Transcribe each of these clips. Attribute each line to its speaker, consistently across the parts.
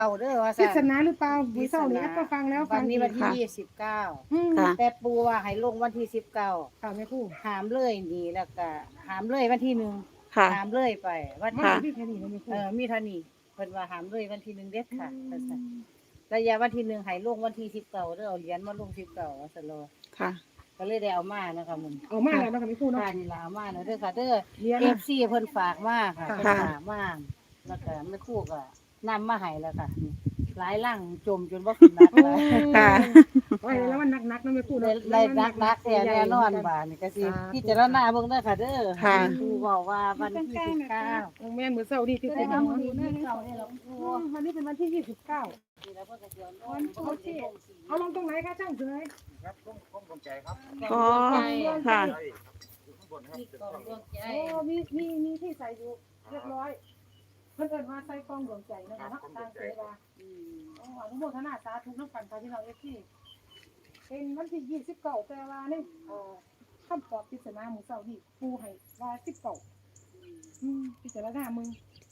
Speaker 1: เอาเด้อว่า
Speaker 2: ปริ
Speaker 1: ซั่น
Speaker 2: ศนาหรือเปล่ามีเศร้านี้ก็ฟังแล้ว
Speaker 1: วันนี้วันที่
Speaker 2: อีก
Speaker 1: 29
Speaker 3: ค่ะ
Speaker 1: แต่ปูว่าให้ลงวันที่19
Speaker 2: ค่ะแม่ครู
Speaker 1: หามเลยนี่แล้วก็หามเลยวันที่1
Speaker 3: ค่ะ
Speaker 1: หามเลยไปวัน
Speaker 2: มัน
Speaker 1: ที่
Speaker 2: จะมีแค่นี้นะแม่ครู
Speaker 1: มีเท่านี้เพิ่นว่าหามเลยวันที่1เด็ดค่ะว่าซั่นระยะวันที่1ให้ลงวันที่19เด้อเอาเหรียญมาลง19ว่าซั่นโล
Speaker 3: ค่ะ
Speaker 1: ก็เลยได้เอามานะคะมึง
Speaker 2: เอามาแล้วนะคะแม่ครูเนาะ
Speaker 1: ค่ะนี่ล่ะเอามาเด้อค่ะเด้อ
Speaker 2: เรียน
Speaker 1: FC เพิ่นฝากมาค่ะ
Speaker 2: ค่ะ
Speaker 1: เพิ่นฝากมาแล้วก็แม่ครูก็นำมาให้แล้วค่ะนี่หลายลังจมจนบ่ขึ้นนักแล้ว
Speaker 3: ค่ะ
Speaker 2: ไว้แล้วมันหนักๆนะแม่ครู
Speaker 1: ได้
Speaker 2: เนาะ
Speaker 1: ได้นักแท้แน่นอนบาดนี่ก็สิพิจารณาเบิ่งเด้อค่ะเด้อ
Speaker 3: ค่ะ
Speaker 1: ครูบอกว่าวันที่19
Speaker 2: แม่นมื้อเช้านี่ที่
Speaker 1: ได้
Speaker 2: คุณ
Speaker 1: มา
Speaker 2: มา
Speaker 1: มื้อนี้ที่เก่านี่ล่ะครู
Speaker 2: วันนี้เป็นวันที่29
Speaker 1: นี่แล้วเพิ่นก็สิเอาลง
Speaker 2: เอาลงตรงไหนคะช่างเฉย
Speaker 4: ครับต้องลงใจครับ
Speaker 3: อ๋อค่ะ
Speaker 4: ใช่อยู่ข้างบนครับ
Speaker 1: ที่กองดวงใจ
Speaker 2: โอ้มีที่ใส่อยู่เรียบร้อยเพิ่นเอิ้นว่าใส่กล้องดวงใจนะคะเนาะทางเสดาอนุโมทนาสาธุน้ำกันค่ะพี่น้องที่เป็นวันที่29แต่ว่านี่คำตอบปริศนามื้อเช้านี่ครูให้ว่า19พิจารณามึง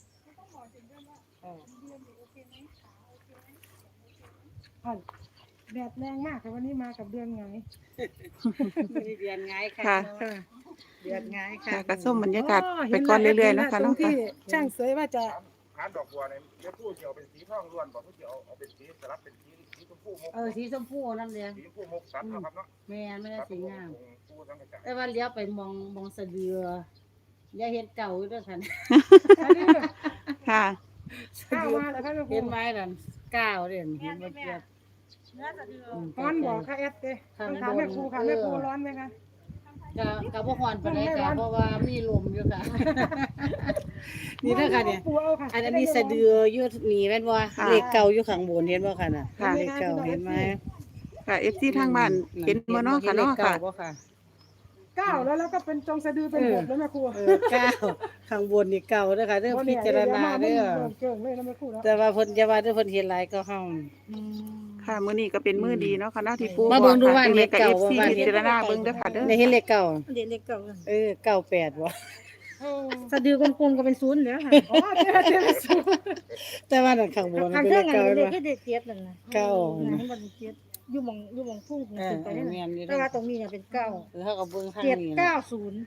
Speaker 2: แดดแรงมากค่ะวันนี้มากับเดือนไง
Speaker 1: เดือนไงค่ะ
Speaker 3: ค่ะ
Speaker 1: เดือนไง
Speaker 3: ค่ะ
Speaker 1: ค่ะ
Speaker 3: กระส้มบรรยากาศไปก่อนเรื่อยๆนะคะ
Speaker 2: ตร
Speaker 3: เนาะ
Speaker 2: งที่
Speaker 3: ค่ะ
Speaker 2: ช่างเสยว่าจะ
Speaker 4: หาดอกบัวเนี่ยเดี๋ยวผู้เกี่ยวเป็นสีทองล้วนบอกผู้เกี่ยวเอาเป็นสีสลับเป็นสีชมพูมุก
Speaker 1: สีชมพูนั่นเด้
Speaker 4: สีชมพูมุกสันนะครับเนาะ
Speaker 1: แม่ไม่ได้สีงาม
Speaker 4: ผู้ทั้งกระจาย
Speaker 1: แต่ว่าเลี้ยวไปมองสะเดืออย่าเห็นเก่าอยู่ด้วยค่ะ
Speaker 2: อันนี้
Speaker 3: ค่ะ
Speaker 2: ข้าวมาแล้วค่ะลูก
Speaker 1: เห็นไหมนั่นก้าวเด่นเห็นบ่เกียบ
Speaker 2: ร้อนบอกค่ะแอดเต้ต้องถามแม่ครูค่ะแม่ครูร้อนไหมคะ
Speaker 1: กับพ่อพรปานใดจ้ะเพราะว่ามีลมอยู่ค่ะ นี่เด้อค่ะเนี่ย
Speaker 2: ครูเอาค่ะ
Speaker 1: อันนี้สะเดืออยู่นี่แม่นบ่
Speaker 3: ค่ะ
Speaker 1: เลขเก่าอยู่ข้างบนเห็นบ่ค่ะน่ะ
Speaker 3: ค่ะ
Speaker 1: เลขเก่าเห็นไหม
Speaker 3: ค่ะ FC ทางบ้านเห็นบ่เนาะค่ะเนาะค่ะ
Speaker 1: ห็ลขก่บ่ค่ะ
Speaker 2: ก้าวแล้วก็เป็นจงสะดือเป็นบทแล้วแม่ครู
Speaker 1: เก้าข้างบนนี่เก่าเด้อค่ะเด้อพิจารณาเด้อ
Speaker 2: เก่งเลยนะแม่ครูเนาะ
Speaker 1: แต่ว่าเพิ่นจะว่าเด้อเพิ่นเห็นหลายก็เฮา
Speaker 3: ค่ะมื้อนี้ก็เป็นมื้อดีเนาะค่ะเนาะที่ปู
Speaker 1: มาเบิ่งดูว่า
Speaker 3: ค่ะ
Speaker 1: เลขเก่า
Speaker 3: FC
Speaker 1: ว่า
Speaker 3: พิจารณาเบิ่งเด้อค่ะเด้อ
Speaker 1: ได้เห็นเลขเก่า
Speaker 2: เด็กเล็กเก่า
Speaker 1: 98บ่
Speaker 2: สะดือกลมๆก็เป็นศูนย์แล้วค่ะอ๋อเจ๊ศูนย์
Speaker 1: แต่ว่านั่นข้างบน
Speaker 2: ทาง
Speaker 1: เป็น
Speaker 2: เค
Speaker 1: เล
Speaker 2: รื่อง
Speaker 1: ข
Speaker 2: อัน
Speaker 1: เก่า
Speaker 2: นี้
Speaker 1: เนาะ
Speaker 2: เด็กเจ็ดนั่นนะ
Speaker 1: เก้า
Speaker 2: ให้มันเจ็ดอยู่หม่องพุ่งขึ้นไปนั่น
Speaker 1: แม่นอยู่
Speaker 2: แต่ว่าตรงนี้เนี่ยเป็นเก้า
Speaker 1: เฮาก็เบิ่งทาง
Speaker 2: เจ็ด
Speaker 1: นี้
Speaker 2: เก้าศูนย์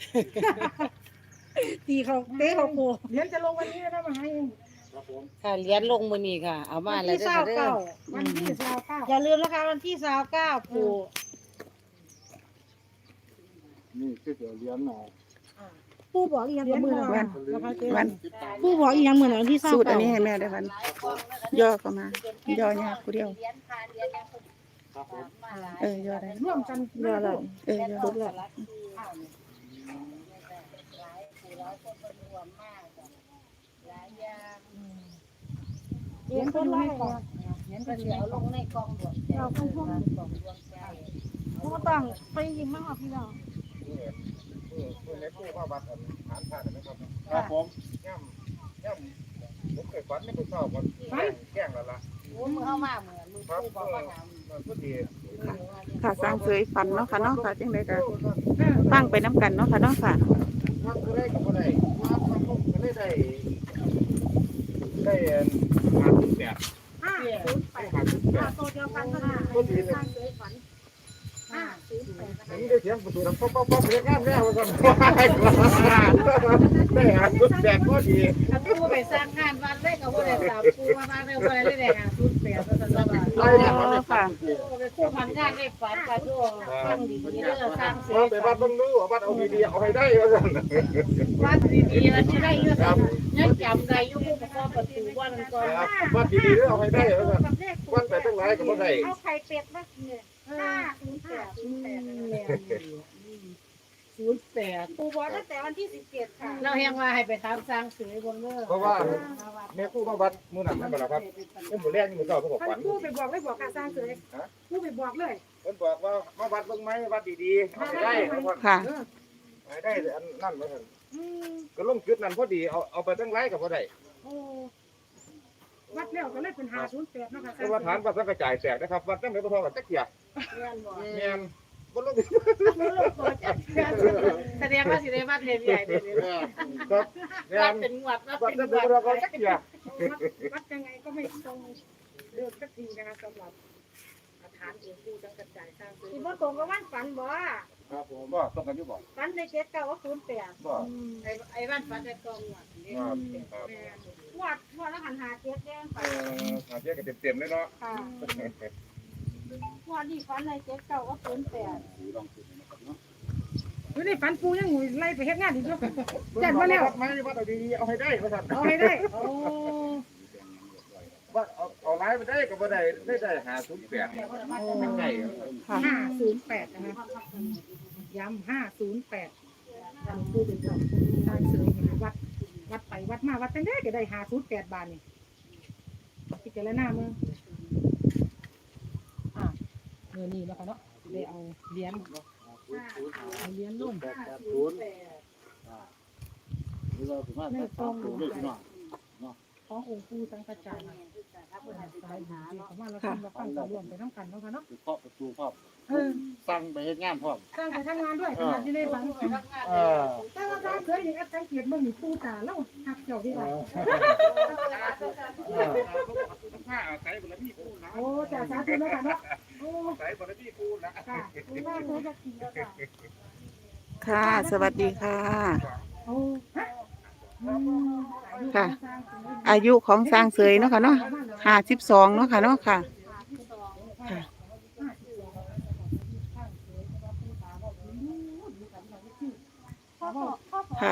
Speaker 2: ตีเขาเตะเขาโคเดี๋ยวจะลงวันนี้นะมาให้
Speaker 4: ครับผม
Speaker 1: ค่ะเหรียญลงมื้อนี้ค่ะ เอามาแล้วเด้อค่ะเด้อ
Speaker 2: วันที่29
Speaker 1: อย่าลืมนะคะวันที่29ปู่
Speaker 4: นี่คือเดี๋ยวเลี้ยงหน่อย
Speaker 5: ผู้บอกอีหยังกับมือ
Speaker 3: วัน วัน
Speaker 5: ผู้บอกอีหยังมือหนังที่เศร้า
Speaker 3: สูตรอัน
Speaker 5: เก่า
Speaker 3: นี้ให้แม่ได้วัน ย่อเข้ามา ย่อยากผู้เดียว
Speaker 4: ครับผม
Speaker 3: ย่อได้
Speaker 2: ร่วมกัน
Speaker 5: เดี๋ยวเรา
Speaker 3: ย่อ
Speaker 5: สุดละ
Speaker 2: เรียนคนไล่ก่อน
Speaker 1: เห็นเป็นเหลียวลงในกองดวงใจกองดวงใจ
Speaker 5: ผู้ต้องไปยิงมากพี่น้อง
Speaker 4: เล็กผู้มาวัดฐานพระนะครับครับผมย่ำผมเคยฝันไม่เคยชอบวันแกล้งแล้วล่ะ
Speaker 1: โอ้มือเข้ามาเหมือนมือ
Speaker 4: ครับ
Speaker 1: ปู่บอกว่าถาม
Speaker 4: ก็ดี
Speaker 3: ค่ะสร้างเสยฝันเนาะค่ะเนาะค่ะจังไดก็ฟังไปน้ำกันเนาะค่ะเนาะค่ะ
Speaker 4: วัดก็ได้ก็ได้วัดมันก็ได้หาจุดแบบหาจุดแบบ
Speaker 2: โตเดียวกันก็ได้
Speaker 4: ก็ดีเลย อันนี้ได้เสียงประตูดังป๊อกเรียกงามแล้วก่อนได้หาชุดแบบก็ดี
Speaker 1: ถ้าปู่ไปสร้างงานวัดได้ก็บ่ได้ตามปู่มาบ้านได้บ่ได้ได้หาทุนแปดซะซั่นว่า
Speaker 4: ไล่แล้วมัน
Speaker 3: ค่ะ
Speaker 1: ไปคู่พันงานได้ฝันก็ดูฟังดีๆเด้อสร้างเสร็
Speaker 4: ว่า
Speaker 1: จ
Speaker 4: ไปบ้านต้องรู้ว่าบ้านเอาดีๆเอาให้ได้ก็สั่น
Speaker 1: วัดดีๆแล้วสิได้อยู่ซั่นยังจำได้อยู่ผู้ประกอบประตูว่านั่นก่อน
Speaker 4: บ้านดีๆเอาให้ได้ก็สั่นวัดไปตั้งหลายก็บ่ได้
Speaker 5: เอาไข่เป็ดมาเนี่ย
Speaker 1: 08
Speaker 5: ปู่บอกตั้งแต่วันที่17ค่ะ
Speaker 1: เราแฮงว่าให้ไปถามสร้างเสยบนเด้อ
Speaker 4: เพราะว่าแม่ครูมาวัดมื้อนั้นนั่นบ่ล่ะครับเพิ่นบ่แรงมื้อเช้าเพิ่นก็
Speaker 2: ท่า
Speaker 4: ฝั
Speaker 2: น
Speaker 4: น
Speaker 2: ผู้ไปบอกเลยบอกการสร้างเสยผู้ไปบอกเลย
Speaker 4: เพิ่นบอกว่ามาวัดเบิ่งไหมวัดดีๆเอาให้ได้
Speaker 3: ค่ะ
Speaker 4: ให้ได้อันนั่นว่าซั่นก็ลงจุดนั้นพอดีเอาไปตั้งหลายก็บ่ได้
Speaker 2: โอ้วัดแล้วก็เลยเป็น508เนาะค่ะ
Speaker 4: แต่ว่าฐานวัดสังกระจายแตกนะครับวัดจังได๋บ่พอกันจักเที่ย
Speaker 1: แม่นบ่
Speaker 4: แม่นบ่ลง
Speaker 1: แสดงว่าสิได้วัดใหญ่ๆเด้อ
Speaker 4: ครับแม่
Speaker 1: วัด
Speaker 4: น
Speaker 1: เป็นงวดวัด
Speaker 4: วัด
Speaker 1: เป็น
Speaker 4: จัง
Speaker 1: ง
Speaker 4: ได๋
Speaker 1: ว
Speaker 4: บ่
Speaker 1: ด
Speaker 4: พอกันจักเที่ย
Speaker 2: วัดยังไงก็ไม่ตรงเดิมสักทีนะคะสำหรับฐานหลวงปู่จังกระจายสร้างซื้อ
Speaker 5: สิบ่ตรงกับวันฝันบ่
Speaker 4: ครับผมบ่ต้องกันอยู่บ่
Speaker 5: ฝันใน7 9ว่า08
Speaker 4: บ่
Speaker 1: ไอ้บ้านฟ้าแต่กองหวัดนี่
Speaker 4: ครับครับ
Speaker 5: แม่นวดแล้วหันหา7แดงไป
Speaker 4: หาเทียกันเต็มๆเลยเนาะ
Speaker 5: ค่ะวดนี้ฝันใน7 9ว่า08
Speaker 2: ไม่ได้ฝันปูยังไล่ไปเฮ็ดงานอีกเนาะจัดมาแล้ว
Speaker 4: ไม่ว่าเอาดีๆเอาให้ได้ว่าซั่น
Speaker 2: เอาให้ได้โอ้
Speaker 4: ว่าเอาหลายไปได้ก็บ่ได้ได้508เนี่ยไม่ใช่
Speaker 3: ค่ะ
Speaker 2: 508นะคะย้ำ508หลวงปู่เป็นเจ้าทางเสยเห็นวัดไปวัดมาวัดจังได้ก็ได้508บาทนี่พิจารณาเมืองเงินนี่นะคะเนาะได้เอาเหรียญลงในกองหลวงขององค์ปู่สังฆจารย์สายหาเนาะมาแล้วเราฟังเรารวมไปน้ำกันเนาะค่ะเนาะ
Speaker 4: เคาะประตูพร้อม
Speaker 2: เออ
Speaker 4: สั่งไปเฮ็ดงานพร้อม
Speaker 2: สร้างไปทำงานด้วยขนาดที่ได้ฟังแต่ว่าการเคยเห็นอาจารย์เกียรติมันมีปู่ตาแล้วหักเจ้าดีกว่า
Speaker 4: ผ้าใส่บารมีกูนะ
Speaker 2: โอ้จ่าสาธุแล้วค่ะเนาะโอ้
Speaker 4: ใส่บารมีกูนะ
Speaker 2: ค่ะคุณแม่เคยจะกินแล้วค่ะ
Speaker 3: ค่ะ สวัสดีค่ะ
Speaker 2: โอ้ฮะ
Speaker 3: ค่ะ อายุของสร้างเสยเนาะค่ะเนาะ52เนาะค่ะเนาะค่ะ ค่ะ ค่ะ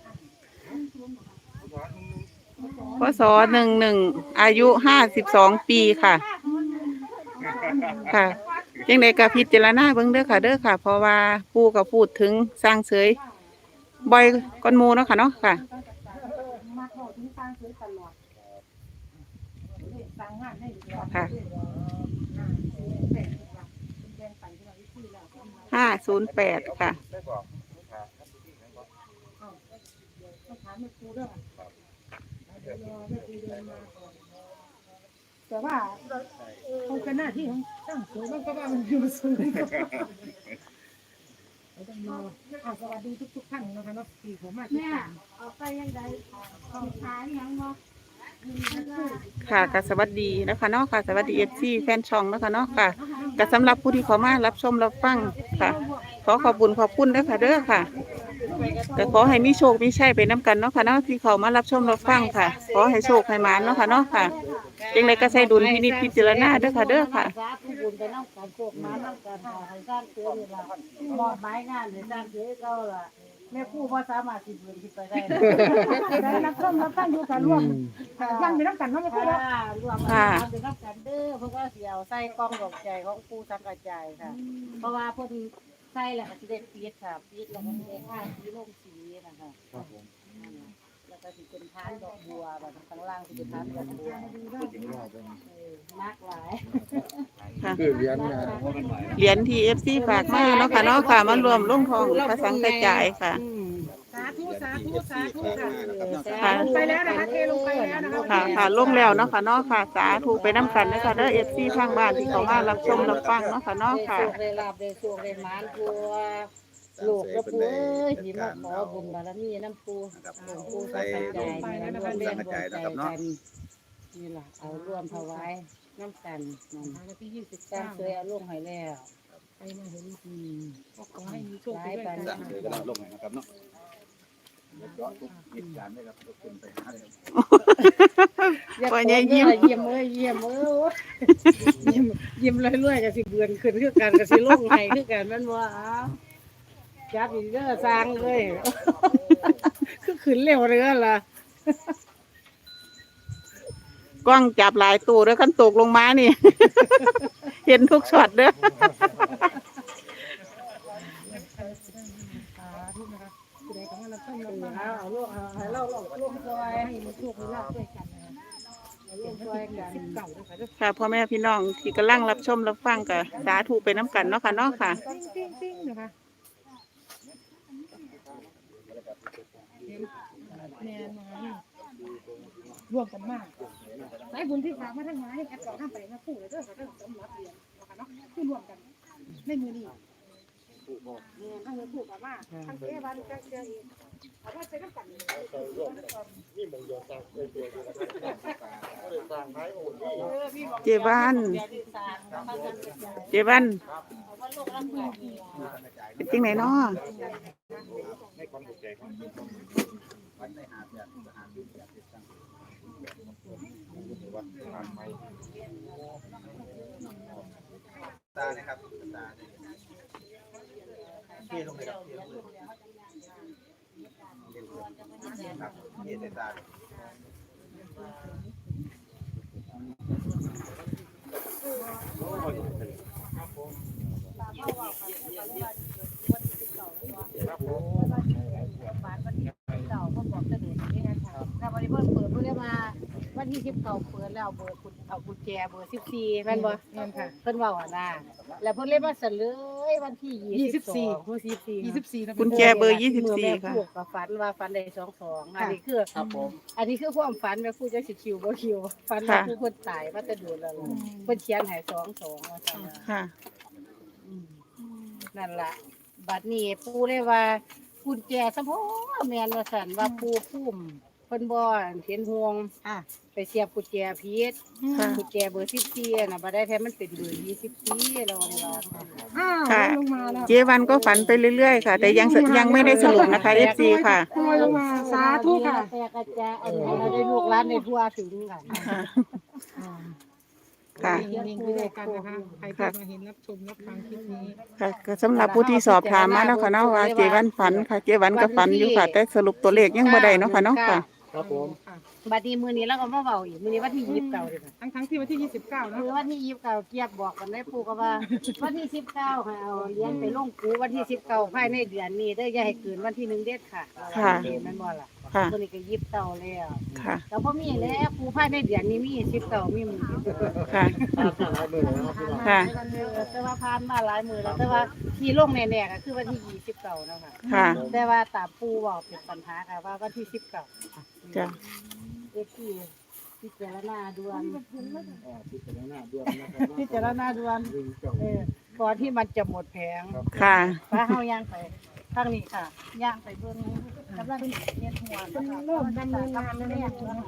Speaker 3: พศ11อายุ52ปีค่ะ ค่ะจังได๋ก็พิจารณาเบิ่งเด้อค่ะเด้อค่ะ เพราะว่าปู่ก็พูดถึงสร้างเสยบ่อยก่อนหมู่เนาะค่ะเนาะค่ะ
Speaker 2: มาขอถึงสร้างซื้อตลอดสร้างงานให้
Speaker 3: ค่ะ 508ค่ะ
Speaker 4: ได้บอก
Speaker 2: แต่ว่าเขาเป็นหน้าที่ของช่างสวยมันก็ว่ามันอยู่สูงต้องรอสวัสดีทุกท่านนะคะเนาะที่ผมมาที่
Speaker 5: แม่
Speaker 2: นี่
Speaker 5: เอาไปยังไดเอาขายยังบ่
Speaker 3: ค่ะก็สวัสดีนะคะเนาะค่ะ สวัสดี FC แฟนช่องนะคะเนาะค่ะก็สำหรับผู้ที่เข้ามารับชมรับฟังค่ะ ขอขอบคุณเด้อค่ะเด้อค่ะก็ขอให้มีโชคมีชัยไปน้ำกันเนาะค่ะเนาะที่เข้ามารับชมรับฟังค่ะ ขอให้โชคให้หมานเนาะค่ะเนาะค่ะจังไดก็ใส่ดุลพินิจพิจารณาเด้อค่ะเด้อค่ะ
Speaker 1: สาธุบุญไปน้ำกันโชคมาน้ำกันค่ะให้สร้างเสือนี่ล่ะมอบหมายงานให้สร้างเสือเก่าล่ะแม่ครูบ่สามารถสิเบิ่งขึ้นไปได้
Speaker 2: ได้รับชมรับฟังอยู่กันร่วมฟังไปน้ำกันเนาะไม่พูดแล้ว
Speaker 1: รวมกันเป็นรับกันเด้อเพราะว่าสิเอาใส่กล้องดอกใจของปู่สังกระจายค่ะ เพราะว่าเพิ่นใส่แล้วก็สิได้ปิดค่ะปิดแล้วก็สิได้ท่าสีลงสีนะคะแล้วก็สิเป็นทานดอกบัวแบบข้างล่างสิเป็นทานดอกบัวนักหลาย
Speaker 4: คือเรียนนะ
Speaker 3: เหรียญที่ FC ฝากมาเนาะค่ะเนาะค่ะมารวมลงทองพระสังกระจายค่ะ
Speaker 2: สาธุสาธุสาธุค่ะ
Speaker 3: ค่ะ
Speaker 2: ลงไปแล้วนะคะเทลงไปแล้วนะคะ
Speaker 3: ค่ะค่ะลงแล้วเนาะค่ะเนาะค่ะสาธุไปน้ำกันเด้อค่ะเด้อ FC ทางบ้านที่เข้ามารับชมรับฟังเนาะค่ะเนาะค่ะ
Speaker 1: ได้ลาบได้โชคได้หมานพัวลูกกับปู่เอ้ยที่มาขอบุญบารมีน้ำปู่หลวงปู่สังกระจายนี่นะรวมแรงรวมใจกันนี่ล่ะเอาร่วมถวายน้ำกันนั่น
Speaker 2: วันที่
Speaker 1: สร้างเคยเอาลงให้แล้ว
Speaker 2: 29ไปมาเห็นก็ขอให้มีโชคไปด้วยกัน
Speaker 4: สั่งเลยก็ได้ลงหน่อยนะครับเนาะเหตุการณ์ได้ครับทุกคนไปหาเลย
Speaker 3: ปล่อยยิ้ม
Speaker 1: เยี่ยมเอ้ยเยี่ยมเอ้ยยิ้มเรื่อยๆก็สิเบือนขึ้นคือกันก็สิลงให้คือกันมันว่าจับอีกเด้อสร้างเลยคือขึ้นเร็วเรือล่ะ
Speaker 3: กล้องจับหลายตู้แล้วกันตกลงมานี่ เห็นทุกช็อตเด้อ
Speaker 2: ผู้ใดก็มารับชมรับฟัง
Speaker 1: เอาลูกให้เราลงซอย
Speaker 2: ให้มีโชคมีลาภด้วยกันนะคะ
Speaker 1: ลงซอยกัน
Speaker 2: 19นะคะ
Speaker 3: ค่ะพ่อแม่พี่น้องที่กำลังรับชมรับฟังกับสาธุไปน้ำกันเนาะค่ะเนาะค่ะ
Speaker 2: ติ้งนะคะแม่มาร่วมกันมากสายบุญที่ฝากมาทั้งหลายแอดก็ห้ามไปนะผู้เลยเด้อค่ะเด้อสำหรับเรียนนะคะเนาะคือร่วมกันในมือนี้
Speaker 4: ผู้บอก
Speaker 2: เนี่ยทั้งถูกกับว่าทั้งเจ๊วันก็เจออีกเอาว่าใช้น้ำกัน
Speaker 4: ใส่ร่วมนี่มงยอสร้างเคยตัวอยู่นะครับก็เลยสร้างท้ายโอ้ย
Speaker 3: เจวัน
Speaker 1: เดี๋ยวที่สร้างเขาจะกระจาย
Speaker 3: เจวัน
Speaker 1: เอาว่าโลกละเกิดนี่ล่ะ
Speaker 3: เป็นจังไหนเนาะ
Speaker 4: ในความถูกใจของวันในหาแบบหาดูแบบตั้งว่าทานไหมตานะครับตาเที่ลงเลยครับครับเที่ตา
Speaker 1: ถ้าวันนี้เพิ่นเปิดเพิ่นได้มาวันที่10เปิดแล้วเบอร์คุณเอากุญแจเบอร์14แม่นบ่
Speaker 2: เงินค่ะ
Speaker 1: เพิ่นเว้าอ่ะนะแล้วเพิ่นเลยมาเสนอวันที่22ผู้14
Speaker 2: 24นะ
Speaker 3: กุญแจเบอร์
Speaker 1: เมื่อแม่
Speaker 3: 24ค่ะ
Speaker 1: พูดกับฝันว่าฝันได้22อันนี้คือ
Speaker 4: ครับผม
Speaker 1: อันนี้คือความฝันแม่พูดจักสิคิวบ่คิวฝันว่าผู้เพิ่นตายมาแต่โดนแล้วล่ะเพิ่นเขียนให้22ว่าซั่นน่ะ
Speaker 3: ค่ะ
Speaker 1: นั่นล่ะบัดนี้ปู่เลยว่ากุญแจซะบ่แม่นว่าซั่นว่าปู่พุ่มเพิ่นบ่เห็นห่วงไปเสียบกุญแจผิด
Speaker 3: ค่ะ
Speaker 1: กุญแจเบอร์14น่ะบ่ได้แท้มันเป็นเบอร์24แล้วว่า
Speaker 2: อ้าว
Speaker 3: ค่ะ
Speaker 2: ลงมาแล้ว
Speaker 3: เจวันก็ฝันไปเรื่อยๆค่ะ แต่ยังไม่ได้สรุปนะคะ FC ค่ะ
Speaker 2: โอยลงมาสาธุค่ะ
Speaker 1: แต่กระจายอันนี้เราได้ลูกหลานในทั่วถึงกัน
Speaker 3: ค่ะ ค่ะ
Speaker 2: นิ่งๆไปด้วยกันนะคะใครที่มาเห็นรับชมรับฟังคลิปนี้
Speaker 3: ค่ะก็สำหรับผู้ที่สอบถามมาแล้วค่ะเนาะว่าเจวันฝันค่ะ เจวันก็ฝันอยู่ค่ะ แต่สรุปตัวเลขยังบ่ได้เนาะค่ะเนาะค่ะ
Speaker 4: ครับผม
Speaker 1: บัดนี้มื้อนี้เราก็มาเว้าอีกมื้อนี้วันที่29เด้อค่ะ
Speaker 2: ทั้งที่วันที่29นะ
Speaker 1: คือวันที่29เกียบบอกกันได้ปู่ก็ว่า วันที่19ให้เอาเหรียญไปลงปู่วันที่19ภายในเดือนนี้เด้ออย่าให้เกินวันที่1เด็ดค่ะ
Speaker 3: ค่ะ
Speaker 1: แม่นบ่ล่ะ
Speaker 3: ค่ะ
Speaker 1: มื้อนี้ก็29แล้ว
Speaker 3: ค่ะ
Speaker 1: แล้วพอมีแล้วปู่ภายในเดือนนี้มี19มีมื้อนี้
Speaker 3: ค่ะ ค่ะ
Speaker 1: แต่ว่าผ่านมาหลายมื้อแล้วแต่ว่าที่ลงแน่ๆก็คือวันที่29นะคะ
Speaker 3: ค่ะ
Speaker 1: แต่ว่าตามปู่เว้าเป็นปัญหาค่ะว่าวันที่19
Speaker 3: จ้ะ
Speaker 1: ที่พิจารณาด่วน
Speaker 4: พิจารณาด้วยนะครับ
Speaker 1: พิจารณาด่วนก่อนที่มันจะหมดแผง
Speaker 3: ค่ะ
Speaker 1: ฟ้าเฮาย่างไปทางนี้ค่ะย่างไปเบิ่งกำลังเรียนหัว
Speaker 2: เป็นเริ่มดำเนินงานแล้วเนี่ย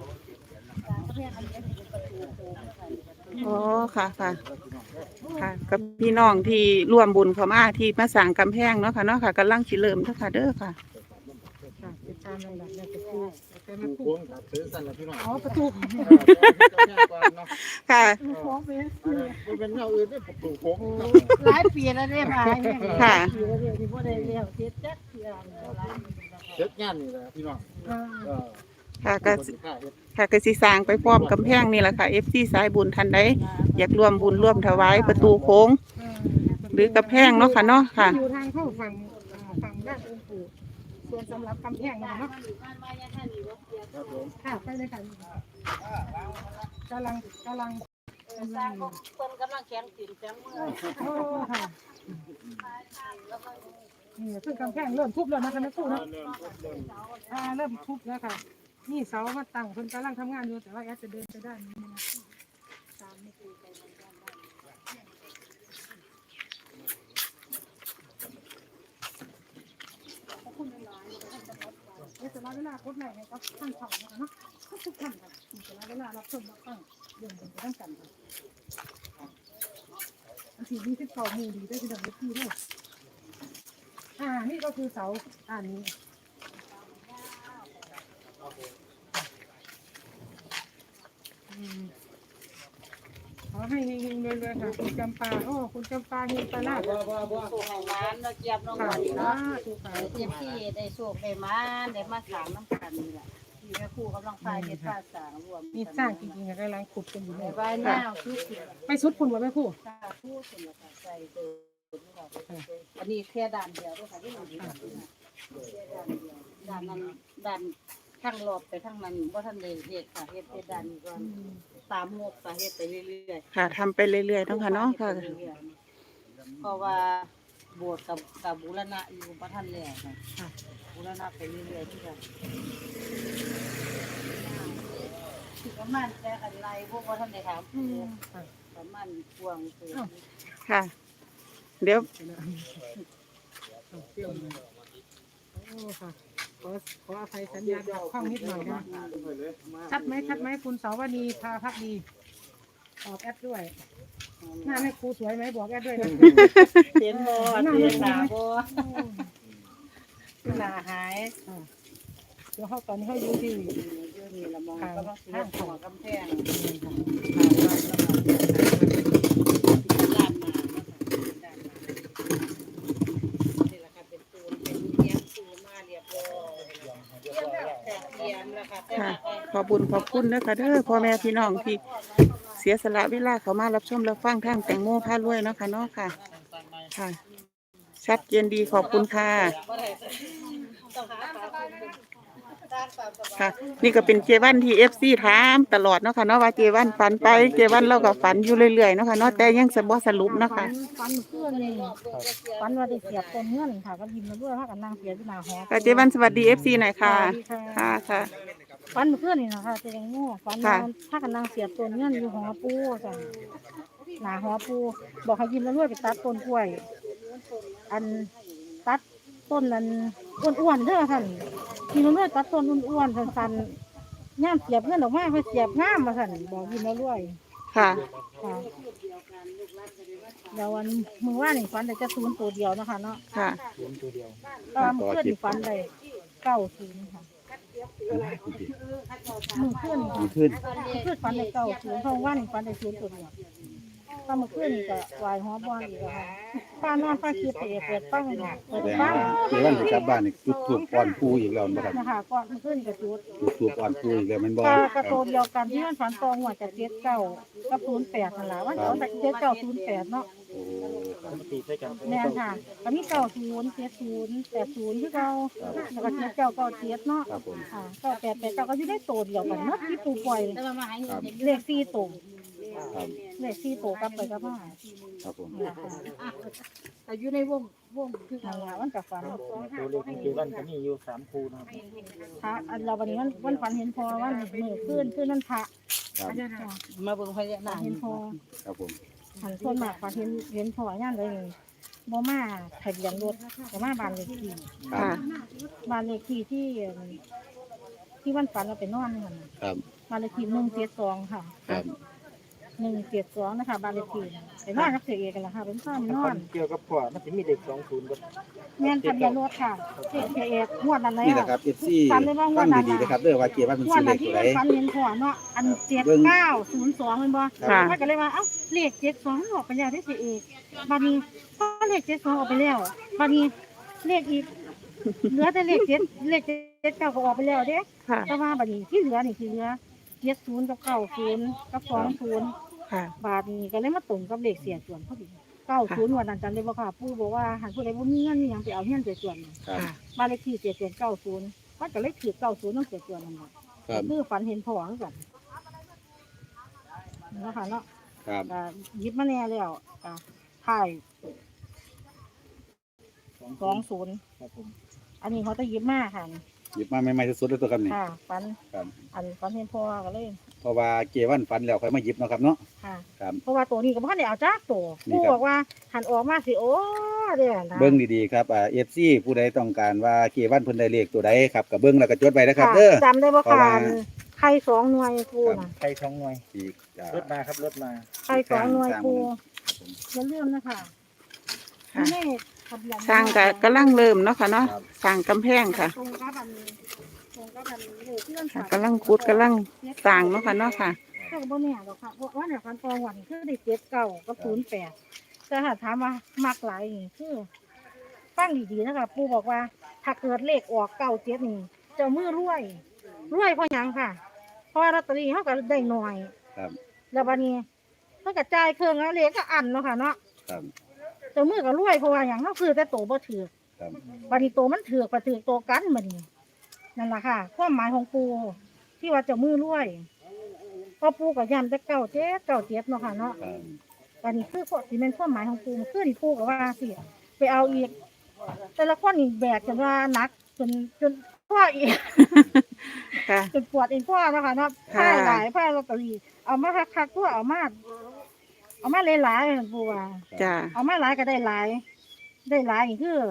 Speaker 3: อ๋อ ค่ะ ค่ะ ค่ะ กับพี่น้องที่ร่วมบุญเข้ามาที่มาสร้างกำแพงเนาะค่ะเนาะค่ะกำลังสิเริ่มเด้อค่ะเด้อค่ะ
Speaker 2: ค่ะติดตามลำดับในประตูแต่มา
Speaker 4: ผู้
Speaker 2: คู่
Speaker 4: โค้งครับซื้อสั่นละพี่น้อง
Speaker 2: อ๋อประตู
Speaker 3: ค่ะ
Speaker 4: มันเป็นแนวอื่นได้ประตูโค้ง
Speaker 1: หลายปีแล้วเนี่ยมาเนี่ย
Speaker 3: ค่ะ
Speaker 1: ปีแล้วเนี่ยที่บ่ได้เลี้ยวเฮ็ดจักเทื่อหลายปีแล้ว
Speaker 4: เช็ดงานนี่แหละพี่น้อง
Speaker 3: ค่ะก็ค่ะก็สิสร้างไปพร้อมกำแพงนี่แหละค่ะ FC สายบุญท่านใดอยากร่วมบุญร่วมถวายประตูโค้ง หรือกำแพงเนาะค่ะเนาะค่ะ
Speaker 2: อยู่ทางเข้าฝั่งด้านองค์ปู่ส่วนสำหรับกำแพงนะคะเนาะ
Speaker 4: ครับผม
Speaker 2: ค่ะไปเลยค่ะกำลัง
Speaker 1: สร้างคนกำลังแข็งติ่มแข็งมือ
Speaker 2: โอ้ค่ะนี่ซึ่งกำแพงเริ่มทุบแล้วนะคะแม่ครูเนาะเริ่มทุบแล้วค่ะนี่เสามาตั้งคนกำลังทำงานอยู่แต่ว่าแอดจะเดินไปด้านนี้นะตามไม่คุยไปด้านขอบคุณหลายๆแต่ละเวลาโคตรไหนก็ท่านสอนนะคะเนาะทุกท่านค่ะแต่ละเวลารับชมรับฟังเรื่องเป็นไปตั้งกันค่ะอันที่29มูดีได้ที่ดังเล็กที่ด้วยนี่ก็คือเสานี้ขอให้เฮงๆรวยๆค่ะคุณจำปาคุณจำปาเฮงปลาลาด
Speaker 1: สู่ให้ร้านเราเจี๊ยบน้อง
Speaker 2: ค่ะ
Speaker 1: หวานเนาะ
Speaker 2: ถูกค่ะ
Speaker 1: เจี๊ยบที่ได้โชคได้มาได้มาสร้างน้ำกันนี่แหละที่แม่ครูกำลังพายเฮ็ดพาสร้างรวม
Speaker 2: นี่สร้างจริงๆค่ะกำลังขุดกันอยู่
Speaker 1: ใน
Speaker 2: เนี่ย
Speaker 1: บ้านหน้าคือเสีย
Speaker 2: ไปสุดคุณว่าแม่ครู
Speaker 1: สาธุสุนทรใจเดินอันนี้แค่ด่านเดียวด้วยค่ะที่มันแค่ด่านเดียวด่านนั้นด่านข้างรอบไปทางนั้นบ่ทันได้เฮ็ดค่ะเฮ็ดแต่ด่านนี้ก่อนตามงบค่ะเฮ็ดไปเรื่อยๆ
Speaker 3: ค่ะทำไปเรื่อยๆเนาะค่ะเนาะค่ะ
Speaker 1: เพราะว่าโบสถ์กับบูรณะอยู่บ่ทันแล้วค่ะบูรณะไปเรื่อยๆที่กันประมาณแต่กันไรพวกบ่ทันได้ถามประมาณพวงตัว
Speaker 3: ค่ะ เดี๋ยว
Speaker 2: โอ้ค่ะขออภัยสัญญาณขัดข้องนิดหน่อยนะชัดไหมคุณสาวนีพาพักดีออกแอดด้วยหน้าแม่ครูสวยไหมบอกแอดด้วยนะ
Speaker 1: เห็นบ่เห็นหน้าบ่หน้าหาย
Speaker 2: เดี๋ยวเขาตอนนี้เขาอยู่ที่
Speaker 1: อยู่นี่ละมองก็ต้องสิหัวกำแพงลาดมานี่แหละค่ะเป็นปูนเป็นเยี่ยมปูมาเรียบร้อยเยี่ยมแล้วค่ะ
Speaker 3: ค่ะขอบุญขอบคุณนะคะเด้อพ่อแม่พี่น้องที่เสียสละเวลาเขามารับชมรับฟังทางแตงโมพารวยเนาะค่ะเนาะค่ะค่ะ ชัดเจนดีขอบคุณค่ะค่ะ นี่ก็เป็นเจวันที่FC ถามตลอดเนาะค่ะเนาะว่าเจวันฝันไปเจวันเราก็ฝันอยู่เรื่อยๆเนาะค่ะเนาะแต่ยังบ่สรุปเนาะค่ะ
Speaker 5: ฟันเพื่อนเลยฟันว่าได้เสียบต้นเงื่อนค่ะก็ยิ้มมาด้วยว่ากันนางเสียที่หน้าหอ
Speaker 3: ค่ะเจวันสวัสดี FC หน่อยค่ะค่ะค่ะ
Speaker 5: ฟันเพื่อนนี่นะคะจะยังงูฟันถ้ากันนางเสียบต้นเงื่อนอยู่หอปูจ้ะหน้าหอปูบอกให้ยิ้มมาด้วยไปตัดต้นกล้วย อันตัดต้นนั้นอ้วนๆเด้อท่านยิ้มมาด้วยตัดต้นอ้วนๆสั้นๆย่ามเสียบเพื่อนออกมาเพื่อเสียบง่ามมาท่านบอกยิ้มมาด้วย
Speaker 3: ค่ะ
Speaker 5: ค่ะเดี๋ยววันมือว่านี่ฟันแต่จะศูนย์ตัวเดียวนะคะเนาะ
Speaker 3: ค่ะ
Speaker 5: ตามเพื่อนนี่ฟันได้90ค่ะมือเพื่อนค่ะเพื่อนฟันได้90เพราะว่านี่ฟันได้ศูนย์ตัวเดียวตามมือเพื่อนนี่ก็วายหัวบอลอีกแล้วค่ะป้านอนป้าคิดเปิดปั้งเปิดปั้ง
Speaker 6: เดี๋ยววันที่กลับบ้านนี่จุดถูกก่อนปูอีกแล้วนะครับ
Speaker 5: นะคะก่อนมือเพื่อนนี่ก็จุด
Speaker 6: จุดถูกก่อนปูอีกแล้วแมันบ่
Speaker 5: กระโตเดียวกันที่มันฟันตองหัวจะ79กับ08นั่นแหละวันเอาแต่7908เนาะ แม่นค่ะก็มี90 70 80ที่เราแล้วก็7997เนาะ
Speaker 6: ครับผม
Speaker 5: ค่ะ9889ก็อยู่ได้โตเดียวกันเนาะที่ปูปล่อย
Speaker 1: แต่ว่ามาให้เงิน
Speaker 5: เลข4โต
Speaker 6: ครับ
Speaker 5: เลข4โตกลับไปกลับมา
Speaker 6: ครับผม
Speaker 5: เนี่ยค่ะ
Speaker 1: แต่อยู่ในวงคือ
Speaker 5: นั่นล่ะมันก็ฝัน
Speaker 7: ตัวเลขที่เจวันก็มีอยู่3คู่นะครับ
Speaker 5: พระอันเราวันนี้มันฝันเห็นพอว่ามือขึ้นนั่นพระ
Speaker 6: ครับ
Speaker 5: ค่ะ
Speaker 1: มาเบิ่งพญานาค
Speaker 5: เห็นพอ
Speaker 6: ครับผม
Speaker 5: หันส่วนมากฝันเห็นพอย่านเลยบ่มาทะเบียนรถก็มาบ้านเลขที่
Speaker 6: ครับ
Speaker 3: ค่ะ
Speaker 5: บ้านเลขที่ที่วันฝันเราไปนอนนี่ค่ะ
Speaker 6: ครับ
Speaker 5: บ้านเลขที่172ค่ะ
Speaker 6: ครับ
Speaker 5: 172นะคะบ้านเลขที่ไปนอนกับเสียเอกกันละค่ะเป็นข้ามนอน
Speaker 7: เกี่ยวกับพ่อมันจะมีเด็ก20กับ
Speaker 5: แม่นทะเบียนรถค่ะเสียเอกงวดนั้นแล้ว
Speaker 6: นี่แหละครับ FC ฟังดีๆนะครับเด้อว่าเกียร์ว่าเป็น
Speaker 5: งว
Speaker 6: สี
Speaker 5: ด
Speaker 6: เล
Speaker 5: นั้
Speaker 6: ข
Speaker 5: นที่
Speaker 6: ตัวใด
Speaker 5: มันฝันเห็นพ่อเนาะอัน7902เป็นบ่
Speaker 3: ค่ะ
Speaker 5: มันก็เลยว่าเอ้าเลข72มันออกไปแล้วได้เสียเอกบัดนี้พอเลข72ออกไปแล้วบัดนี้เลขอีกเหลือแต่เลข79ก็ออกไปแล้วเด้
Speaker 3: ค่ะ
Speaker 5: แต่ว่าบัดนี้ที่เหลือนี่คือเหลือ70กับ90กับ20
Speaker 3: ค่ะ
Speaker 5: บาทนี้ก็เลยมาตรงกับเลขเสียส่วนพอดี90วันนั้นจำได้บ่ค่ะปู่บอกว่าหันผู้ใดบ่มีเงินมีหยังไปเอาเงินเสียส่วน
Speaker 6: ครับ
Speaker 3: ค่ะ
Speaker 5: บ้านเลขที่เสียส่วน90มันก็เลยถือ90ต้องเสียส่วนนั่นแหละ
Speaker 6: ครับ
Speaker 5: คือฝันเห็นพ่อคือกันนะคะเนาะ
Speaker 6: ครับ
Speaker 5: ก็หยิบมาแน่แล้วก็ถ่าย20
Speaker 7: ครับผม
Speaker 5: อันนี้เขาจะหยิบมาค่ะ
Speaker 6: หยิบมาใหม่ๆสุดๆเลยตัวครับนี่
Speaker 5: ค่ะฝัน
Speaker 6: ครับ
Speaker 5: ฝันเห็นพ่อก็เลย
Speaker 6: เพราะว่าเกียร์วันฝันแล้วค่อยมาหยิบเนาะครับเนาะ
Speaker 5: ค่ะ
Speaker 6: ครับ
Speaker 5: เพราะว่าตัวนี้ก็บ่ทันได้เอาจักตัว
Speaker 6: นี่
Speaker 5: ปู่
Speaker 6: ครับ
Speaker 5: บอกว่าหันออกมาสิโอ้เด้อนะ
Speaker 6: เบิ่งดีๆครับFC ผู้ใดต้องการว่าเกียร์วันเพิ่นได้เลขตัวใดครับก็เบิ่งแล้วก็จดไว้นะครับเด้อ
Speaker 5: จำได้บ่
Speaker 6: เพราะ
Speaker 5: ค่ะ
Speaker 6: ว่า
Speaker 5: ไข่2หน่วยปูน่ะ
Speaker 7: ใคร2หน่วย
Speaker 6: อีก
Speaker 7: รถมาครับรถมา
Speaker 5: ไข่2หน่วยปู
Speaker 6: ครับผม
Speaker 5: อย่าลืมนะคะ
Speaker 3: ค่ะ
Speaker 5: นี่ทะเบียน
Speaker 3: สร้างก็กำลังเริ่มเนาะค่ะเนาะสร้างกำแพงค่ะ
Speaker 5: ตรงกับอันตรงกับอันเลยเพื่อน
Speaker 3: ค่ะ
Speaker 5: ค่ะ
Speaker 3: กำลังขุดกำลังสร้างเนาะค่ะเนาะค่ะ
Speaker 5: ก็บ่แน่หรอกค่ะเพราะว่าเนี่ยคันตองวันคือได้79กับ08แต่ถ้าถามว่ามักหลายนี่คือฟังดีๆนะคะปู่บอกว่า ถ้าเกิดเลขออก97นี่เจะมือรวยเพราะหยังค่ะ เพราะว่าลอตเตอรี่เฮาก็ได้น้อย
Speaker 6: ครับ
Speaker 5: แล้วบัดนี้เพิ่นก็จ่ายเครื่องแล้วเลขก็อันเนาะค่ะเนาะ
Speaker 6: ครับ
Speaker 5: เจ้ามือก็รวยเพราะว่าหยังเฮาซื้อแต่โตบ่ถือ
Speaker 6: ครับ
Speaker 5: บัดนี้โตมันถือกว่าถือโตกันบัดนี้นั่นล่ะค่ะความหมายของปู่ที่ว่าเจ้ามือรวยพอปู่ก็ย้ำแต่97เนาะค่ะเนาะ
Speaker 6: ครับ
Speaker 5: บัดนี้คือสิแม่นความหมายของปู่คือที่ปู่ก็ว่าสิไปเอาอีก แต่ละคนนี่แบกจนว่าหนักจนพ่ออีก
Speaker 3: ค่ะ
Speaker 5: จนปวดเองพ่อเนาะค่ะเนาะ
Speaker 3: ค่ะ
Speaker 5: ผ้าหลายผ้าลอตเตอรี่เอามาคักๆตัวเอามาหลายๆปู่ว่า
Speaker 3: จ้า
Speaker 5: เอามาหลายก็ได้หลายนี่คือ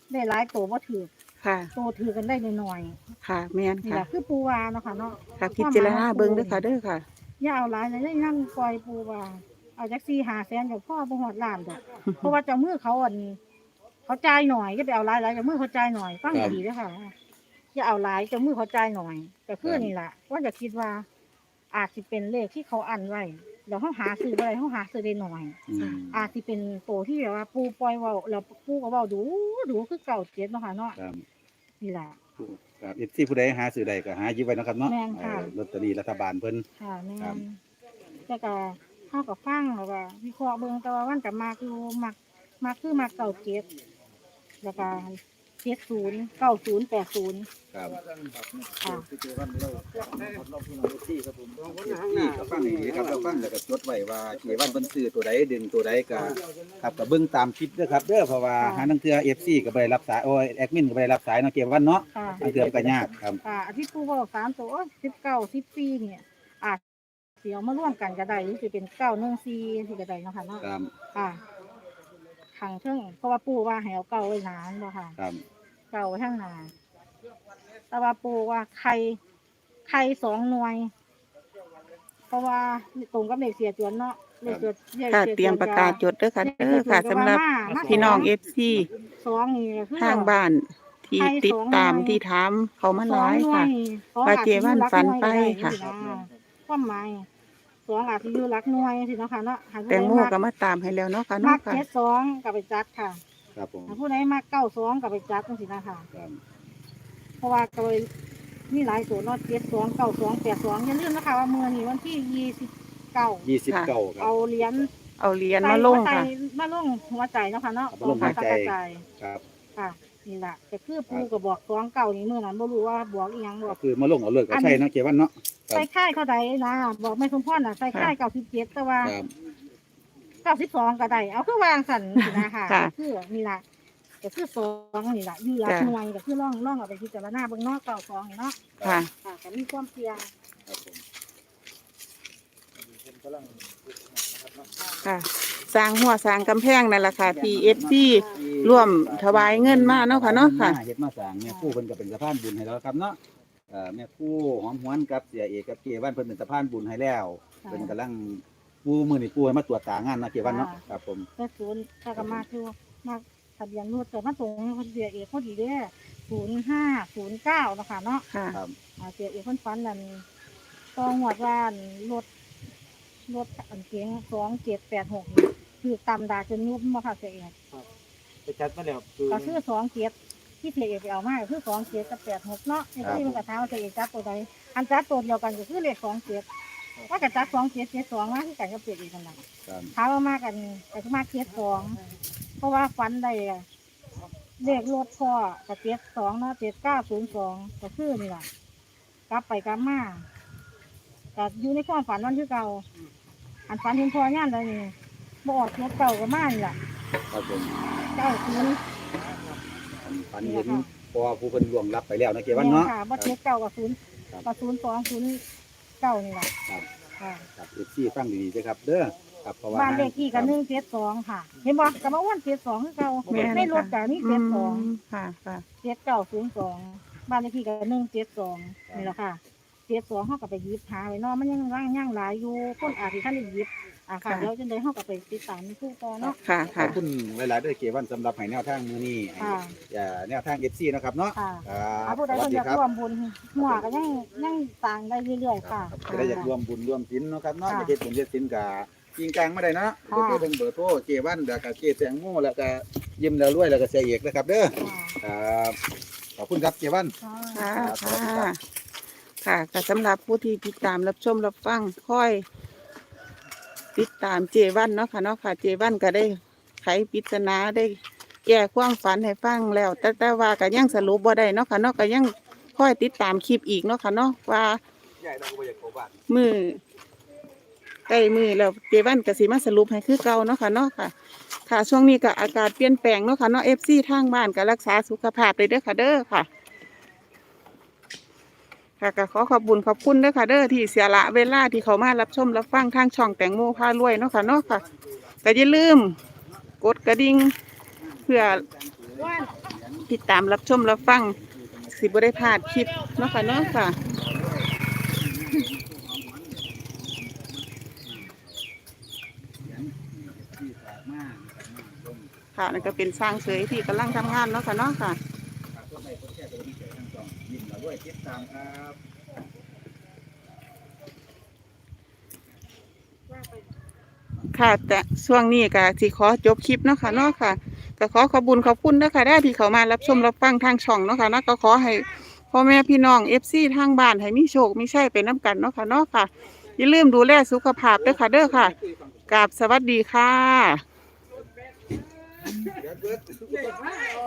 Speaker 5: ได้หลายโตบ่ถือ
Speaker 3: ค่ะ
Speaker 5: โตถือกันได้น้อย
Speaker 3: ค่ะแม่น
Speaker 5: ๆนี่
Speaker 3: ค่ะ
Speaker 5: ล่ะคือปูวาเนาะค่ะเนาะ
Speaker 3: ค่ะพิจารณาเบิ่งเด้อค่ะเด้อค่ะ
Speaker 5: อย่าเอาหลายเลยนั่งปล่อยปูวาเอาจัก4-5 แสนกับพ่อบ่ฮอดล้านดอกเพราะว่าเจ้ามือเขาเขาจ่ายหน่อยอย่าไปเอาหลายๆเจ้ามือเขาจ่ายหน่อยฟังดีๆเด้อค่ะอย่าเอาหลายเจ้ามือเขาจ่ายหน่อยแต่คือนี่ล่ะว่าจะคิดว่าอาจสิเป็นเลขที่เขาอันไว้เดี๋ยวเขาหาซื้อบ่ได้เขาหาซื้อได้หน่อย อาจสิเป็นโตที่แบบว่าปูปล่อยเว้าแล้วปูก็เว้าดูคือเก่าเจ็ดเนาะค่ะเนาะ
Speaker 6: ครับ
Speaker 5: นี่ล่ะ
Speaker 6: ครับเอฟซีผู้ใดหาซื้อใดก็หาหยิบไว้เนาะครับเนาะ
Speaker 5: แม่นค่ะ
Speaker 6: ลอตเตอรี่รัฐบาลเพิ่น
Speaker 5: ค่ะแม่
Speaker 6: ครับ
Speaker 5: นแต่ก็เฮาก็ฟังแล้วก็วิเคราะห์เบิ่งแต่ว่ามันก็มักอยู่มักคือมักเก่าเจ็ดแล้วก็70 90 80
Speaker 6: ครับ
Speaker 5: ค่ะ
Speaker 6: นี่ก็ฟังดีครับเราฟังแล้วก็จดไว้ว่าเกี่วันเพิ่นซื้อตัวใดดึงตัวใดก็ครับก็เบิ่งตามคลิปเด้อครับเด้อเพราะว่าหานังเทื่อ FC ก็บ่ได้รับสายโอ้ยแอดมินก็บ่ได้รับสายเนาะเกี่วันเนาะ
Speaker 5: ค่ะ
Speaker 6: นังเทื่อก็ยากครับ
Speaker 5: ค่ะอาทิตย์ปูเว้า3ตัว19 14เนี่ยอาจสิเอามาร่วมกันก็ได้หรือสิเป็น914ที่ก็ได้เนาะค่ะเนาะ
Speaker 6: ครับ
Speaker 5: ค่ะขังเทิงเพราะว่าปู่ว่าให้เอาเก่าไว้นานบ่ค่ะ
Speaker 6: ครับ
Speaker 5: เก่าไว้ข้างหน้าแต่ว่าปู่ว่าไข่2 หน่วย เพราะว่าตรงกับเลขเสียจวนเนาะเลขเสียเลข
Speaker 3: ค่ะ
Speaker 5: สี
Speaker 3: เตรียมปากกาจดเด้อค่ะเด้อค่ะสำหรับพี่น้อง FC
Speaker 5: 2นี่คือ
Speaker 3: ทางบ้านที่ติดตามที่ถามเขามาหลายค่ะ ว่าเจวันฝันไปค่ะ
Speaker 5: ความหมาย2อาจสิอยู่หลักหน่วยสิเนาะค่ะเนาะหาผู้
Speaker 3: แต
Speaker 5: ใด
Speaker 3: งโมก็มาตามให้แล้วเนาะค่ะ
Speaker 5: มั
Speaker 3: เนาะ
Speaker 5: ก
Speaker 3: ค่ะ
Speaker 5: 72ก็ไปจัดค่ะ
Speaker 6: ครับผม
Speaker 5: หาผู้ใดมัก92ก็ไปจัดจังซี่นะคะ
Speaker 6: ครับ
Speaker 5: เพราะว่าก็เลยมีหลายตัวเนาะ72 92 82อย่าลืมนะคะว่ามื้อนี้วันที่29
Speaker 6: 29ครับ
Speaker 5: เอาเหรียญ
Speaker 3: เอาเหรียญมาลงค่ะ
Speaker 5: มาลงหัวใจเนาะค่ะเนาะ
Speaker 6: เอามาลงหัวใจ
Speaker 5: กระจาย
Speaker 6: ครับ
Speaker 5: ค่ะนี่ล่ะแต่คือปูก็บอก29นี่มื้อนั้นบ่รู้ว่าบอกอีหยังบ
Speaker 6: ก็
Speaker 5: อก
Speaker 6: คือมาลงเอาเลิกเอาใช่เนาะเกี่วันเนาะ ครับ
Speaker 5: ใส่ค่ายเท่าใดนะบอกแม่สมพรน่ะใส่ค่าย97แต่ว่า
Speaker 6: ครับ
Speaker 5: 92ก็ได้เอาคือวางสั่นสินะค่ะ
Speaker 3: ค่ะ
Speaker 5: คือนี่ล่ะก็คือ2นี่ล่ะอยู่หลัก
Speaker 3: จ้ะ
Speaker 5: หน่วยก็คือล่องเอาไปพิจารณาเบิ่งเนาะ92นี่เนาะ
Speaker 3: ค่ะ
Speaker 5: ค่ะก็มีความเสี่ยง
Speaker 6: ครับผม
Speaker 3: ค่ะ สร้างหัวสร้างกำแพงนั่นแหละค่ะที่ FC ร่วมถวายเงินมาเนาะค่ะเนาะค่ะ
Speaker 6: เฮ็ดมาสร้างแม่ครู่เพิ่นก็เป็นสะพานบุญให้แล้วครับเนาะแม่ครู่หอมหวนกับเสียเอกกับเกวันเพิ่นเป็นสะพานบุญให้แล้ว
Speaker 5: ค่ะ
Speaker 6: เพิ่นกำลังปูมื้อนี้ปูให้มาตรวจตางานเนาะเกวันเนาะครับผม
Speaker 5: แต่ศูนย์ถ้าก็มาคือมาทะเบียนรถแต่มาตรงคนเสียเอกพอดีเด้0509นะคะเนาะ
Speaker 3: ค่ะ
Speaker 6: ครับ
Speaker 5: เสียเอกคนฟันนั่นต้องหวดว่ารถอันเก๋ง2786นี่คือตำดาจนยุบบ่ค่ะเสียเอก
Speaker 7: ไปจัดมาแล้วคือ
Speaker 5: ก็คือ27ที่เสียเอกไปเอามาก็คือ27กับ86เนาะในที่มันก็ถามว่าเสียเอกจับตัวใดอันจับตัวเดียวกันก็คือเลข27ว่าก็จับ2772มาคือกันกับเสียเอกกันล่ะ
Speaker 6: ครับ
Speaker 5: ถามว่ามากันแต่ก็มา72เพราะว่าฟันได้อะเลขรถพ่อกับ72เนาะ7902ก็คือนี่ล่ะกลับไปกลับมาก็อยู่ในความฝันวันที่เก่าอันฝันเห็นพ่อย่างใดนี่บ่ออกรถเก่าก็มานี่ล่ะ
Speaker 6: ครับผม
Speaker 5: 90
Speaker 6: ฝันเห็นพอผู้เพิ่นล่วงลับไปแล้วเนาะเกวันเนาะ
Speaker 5: ค่ะบ่เจ็ดเก่ากับ0
Speaker 6: ครับ
Speaker 5: กับ0209นี่ล่ะ
Speaker 6: ครับ
Speaker 5: ค่ะ
Speaker 6: ครับ FC ฟังดีๆด้วยครับเด้อครับเพราะว่า
Speaker 5: บ้านเลขที่ก็172ค่ะ เห็นบ่ก็มาอ้วน72คือเก่า
Speaker 3: แม่น
Speaker 5: ในรถก็มี
Speaker 3: อื
Speaker 5: 72
Speaker 3: มค่ะค่ะ
Speaker 5: 7902บ้านเลขที่ก็172นี่แหละค่ะ72เฮาก็ไปหยิบหาไว้เนาะมันยังหลายอยู่คนอาจสิทันได้หยิบค่ะเดี๋ยวจังได๋เฮาก็ไปติดตามในคู่ต่อเนาะ
Speaker 3: ค่ะ
Speaker 6: ขอ
Speaker 3: ค่ะ
Speaker 6: บคุณหลายๆเด้อเกวันสำหรับให้แนวทางมื้อนี้ให้
Speaker 5: ค่ะ
Speaker 6: แนวทาง FC นะครับเนาะ
Speaker 5: ค่ะ
Speaker 6: ครับ
Speaker 5: ผู้ใด
Speaker 6: สวั
Speaker 5: เพิ่
Speaker 6: ส
Speaker 5: น
Speaker 6: ดี
Speaker 5: อยาก
Speaker 6: ครับ
Speaker 5: ร่วมบุญหัวก็ยังต่างได้เรื่อยๆค่ะ
Speaker 6: จะได้อยากรวมบุญรวมศีลเนาะครับเนาะ
Speaker 5: ค่ะ
Speaker 6: จะเฮ็ดบุญเฮ็ดศีลก็จริงกลางมาได้เนาะ
Speaker 5: ค่ะ
Speaker 6: ก็คือเบิ่งเบอร์โทรเกวันแล้วก็เกแตงโมแล้วก็ยิ้มแล้วรวยแล้วก็เสียเอกนะครับเด้อครับขอบคุณครับเกวัน
Speaker 5: ค่ะ
Speaker 3: ค่ะค่ะค่ะก็สำหรับผู้ที่ติดตามรับชมรับฟังค่อยติดตามเจวันเนาะค่ะเนาะค่ะเจวันก็ได้ไขปริศนาได้แก้ความฝันให้ฟังแล้ว แต่ว่าก็ยังสรุปบ่ได้เนาะค่ะเนาะก็ยังค่อยติดตามคลิปอีกเนาะค่ะเนาะว่า
Speaker 6: ใหญ่เราก็บ่อยากเข้าบ้าน
Speaker 3: มือใกล้มือแล้วเจวันก็สิมาสรุปให้คือเก่าเนาะค่ะเนาะค่ะ ค่ะช่วงนี้ก็อากาศเปลี่ยนแปลงเนาะค่ะเนาะ FC ทางบ้านก็รักษาสุขภาพเลยเด้อค่ะเด้อค่ะ ค่ะก็ขอขอบคุณเด้อค่ะเด้อที่เสียละเวลาที่เขามารับชมรับฟังทางช่องแตงโมพารวยเนาะค่ะเนาะค่ะก็อย่าลืมกดกระดิ่งเพื่อติดตามรับชมรับฟังสิบ่ได้พลาดคลิปเนาะค่ะเนาะค่ะ ค่ะนั่นก็เป็นสร้างเสยที่กำลังทำงานเนาะค่ะเนาะค่ะค่ะแต่ช่วงนี้ก็สิขอจบคลิปเนาะค่ะเนาะค่ะก็ขอขอบคุญขอบคุณนะคะได้ที่เขามารับชมรับฟังทางช่องเนาะค่ะเนาะก็ขอให้พ่อแม่พี่น้องFCทางบ้านให้มีโชคมีชัยไปน้ำกันเนาะค่ะเนาะค่ะอย่าลืมดูแลสุขภาพด้วยค่ะเด้อค่ะกราบสวัสดีค่ะ